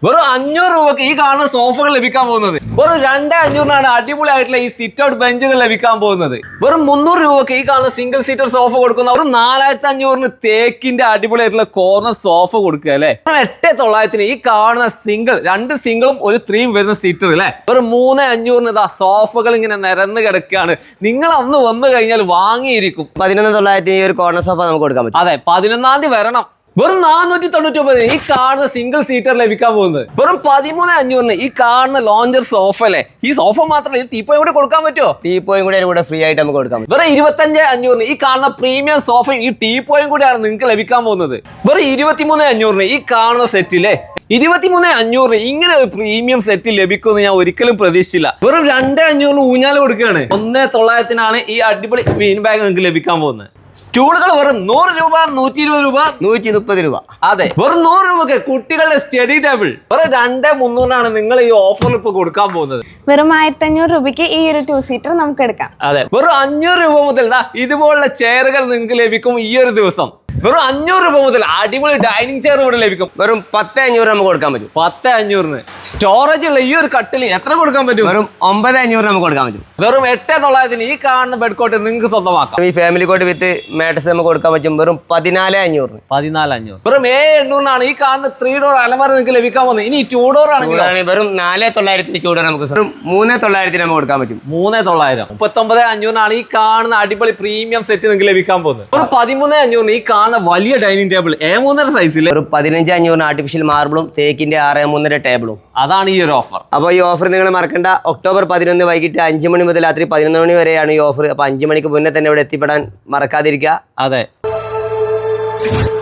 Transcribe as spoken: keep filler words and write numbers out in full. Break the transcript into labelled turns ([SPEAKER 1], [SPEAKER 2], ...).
[SPEAKER 1] വെറും അഞ്ഞൂറ് രൂപക്ക് ഈ കാണുന്ന സോഫകൾ ലഭിക്കാൻ പോകുന്നത്. വെറും രണ്ടേ അഞ്ഞൂറിനാണ് അടിപൊളിയായിട്ടുള്ള ഈ സിറ്റ് ഔട്ട് ബെഞ്ചുകൾ ലഭിക്കാൻ പോകുന്നത്. വെറും മുന്നൂറ് രൂപക്ക് ഈ കാണുന്ന സിംഗിൾ സീറ്റർ സോഫ കൊടുക്കുന്ന ഒരു നാലായിരത്തി അഞ്ഞൂറിന് തേക്കിന്റെ അടിപൊളിയായിട്ടുള്ള കോർണർ സോഫ കൊടുക്കുക അല്ലെ. എട്ട് തൊള്ളായിരത്തിന് ഈ കാണുന്ന സിംഗിൾ രണ്ട് സിംഗിളും ഒരു ത്രീയും വരുന്ന സീറ്റർ അല്ലെ. വെറും മൂന്ന് അഞ്ഞൂറിന് ഇതാ സോഫകൾ ഇങ്ങനെ നിരന്ന് കിടക്കുകയാണ്. നിങ്ങൾ അന്ന് വന്നു കഴിഞ്ഞാൽ വാങ്ങിയിരിക്കും.
[SPEAKER 2] പതിനൊന്ന് തൊള്ളായിരത്തിന് ഈ ഒരു കോർണർ സോഫ നമുക്ക് കൊടുക്കാൻ പറ്റും.
[SPEAKER 1] അതെ, പതിനൊന്നാം തീയതി വരണം. വെറും നാനൂറ്റി തൊണ്ണൂറ്റി ഒമ്പത് ഈ കാണുന്ന സിംഗിൾ സീറ്റർ ലഭിക്കാൻ പോകുന്നത്. വെറും പതിമൂന്ന് അഞ്ഞൂറിന് ഈ കാണുന്ന ലോഞ്ചർ സോഫ അല്ലേ. ഈ സോഫ മാത്രമല്ല, ഈ ടീപ്പോയും കൂടെ കൊടുക്കാൻ പറ്റുമോ?
[SPEAKER 2] ടീപ്പോയും കൂടെ കൂടെ ഫ്രീ ആയിട്ട് നമുക്ക് കൊടുക്കാൻ പറ്റും.
[SPEAKER 1] വെറും ഇരുപത്തഞ്ച് അഞ്ഞൂറിന് ഈ കാണുന്ന പ്രീമിയം സോഫയും ഈ ടീപ്പോയും കൂടെയാണ് നിങ്ങൾക്ക് ലഭിക്കാൻ പോകുന്നത്. വെറും ഇരുപത്തിമൂന്ന് അഞ്ഞൂറിന് ഈ കാണുന്ന സെറ്റിലെ ഇരുപത്തിമൂന്ന് അഞ്ഞൂറ് ഇങ്ങനെ ഒരു പ്രീമിയം സെറ്റ് ലഭിക്കുമെന്ന് ഞാൻ ഒരിക്കലും പ്രതീക്ഷിച്ചില്ല. വെറും രണ്ട് അഞ്ഞൂറിന് ഊഞ്ഞാല് കൊടുക്കുകയാണ്. ഒന്നേ തൊള്ളായിരത്തിനാണ് ഈ അടിപൊളി ബീൻ ബാഗ് നിങ്ങൾക്ക് ലഭിക്കാൻ പോകുന്നത്. സ്റ്റൂളുകൾ വെറും നൂറ് രൂപ, നൂറ്റി ഇരുപത് രൂപ,
[SPEAKER 2] നൂറ്റി മുപ്പത് രൂപ.
[SPEAKER 1] അതെ, വെറും നൂറ് രൂപക്ക് കുട്ടികളുടെ സ്റ്റഡി ടേബിൾ വെറും രണ്ടേ മുന്നൂറിനാണ് നിങ്ങൾ ഈ ഓഫറിൽ ഇപ്പൊ കൊടുക്കാൻ പോകുന്നത്.
[SPEAKER 3] വെറും ആയിരത്തി അഞ്ഞൂറ് രൂപയ്ക്ക് ഈ ഒരു ടു സീറ്റർ നമുക്ക് എടുക്കാം.
[SPEAKER 1] അതെ, വെറും അഞ്ഞൂറ് രൂപ മുതൽ ഇതുപോലുള്ള ചെയറുകൾ നിങ്ങൾക്ക് ലഭിക്കും. ഈ ഒരു ദിവസം വെറും അഞ്ഞൂറ് രൂപ മുതൽ അടിപൊളി ഡൈനിങ് ചെയർ ഇവിടെ ലഭിക്കും.
[SPEAKER 2] വെറും പത്ത് അഞ്ഞൂറ് നമുക്ക് കൊടുക്കാൻ പറ്റും.
[SPEAKER 1] പത്ത് അഞ്ഞൂറിന് സ്റ്റോറേജ് ഉള്ള ഈ ഒരു കട്ടില് എത്ര കൊടുക്കാൻ പറ്റും?
[SPEAKER 2] വെറും ഒമ്പത് അഞ്ഞൂറ് നമുക്ക് കൊടുക്കാൻ പറ്റും.
[SPEAKER 1] വെറും എട്ട് തൊള്ളായിരത്തിന് ഈ കാണുന്ന ബെഡ് കോട്ട് നിങ്ങൾക്ക് സ്വന്തമാക്കാം.
[SPEAKER 2] ഈ ഫാമിലി കോട്ട് വിത്ത് മാട്രസ് നമുക്ക് കൊടുക്കാൻ പറ്റും. വെറും പതിനാല് അഞ്ഞൂറിന്
[SPEAKER 1] പതിനാല് അഞ്ഞൂറ് വെറും ഏഴ് എണ്ണൂറിനാണ് ഈ കാണുന്ന ത്രീ ഡോർ അലമാര നിങ്ങൾക്ക് ലഭിക്കാൻ പോകുന്നത്. ഇനി ടൂ ഡോർ ആണെങ്കിൽ
[SPEAKER 2] വെറും നാല് തൊള്ളായിരത്തിന് ചൂട് നമുക്ക് വെറും മൂന്ന് തൊള്ളായിരത്തിന് നമുക്ക് കൊടുക്കാൻ പറ്റും.
[SPEAKER 1] മൂന്ന് തൊള്ളായിരം മുപ്പത്തൊമ്പത് അഞ്ഞൂറിനാണ് ഈ കാണുന്ന അടിപൊളി പ്രീമിയം സെറ്റ് നിങ്ങൾക്ക് ലഭിക്കാൻ പോകുന്നത്. ഒരു പതിമൂന്ന് അഞ്ഞൂറിന് ഈ കാണുന്ന വലിയ ഡൈനിങ് ടേബിൾ എ മൂന്നര സൈസിൽ
[SPEAKER 2] ഒരു പതിനഞ്ച് അഞ്ഞൂറിന് ആർട്ടിഫിഷ്യൽ മാർബിളും തേക്കിന്റെ ആറ് മൂന്നര ടേബിളും.
[SPEAKER 1] അതാണ് ഈ ഒരു ഓഫർ.
[SPEAKER 2] അപ്പോൾ ഈ ഓഫർ നിങ്ങൾ മറക്കണ്ട. ഒക്ടോബർ പതിനൊന്ന് വൈകിട്ട് അഞ്ച് മണി മുതൽ രാത്രി പതിനൊന്ന് മണി വരെയാണ് ഈ ഓഫർ. അപ്പോൾ അഞ്ച് മണിക്ക് മുന്നേ തന്നെ ഇവിടെ എത്തിപ്പെടാൻ മറക്കാതിരിക്കുക.
[SPEAKER 1] അതെ.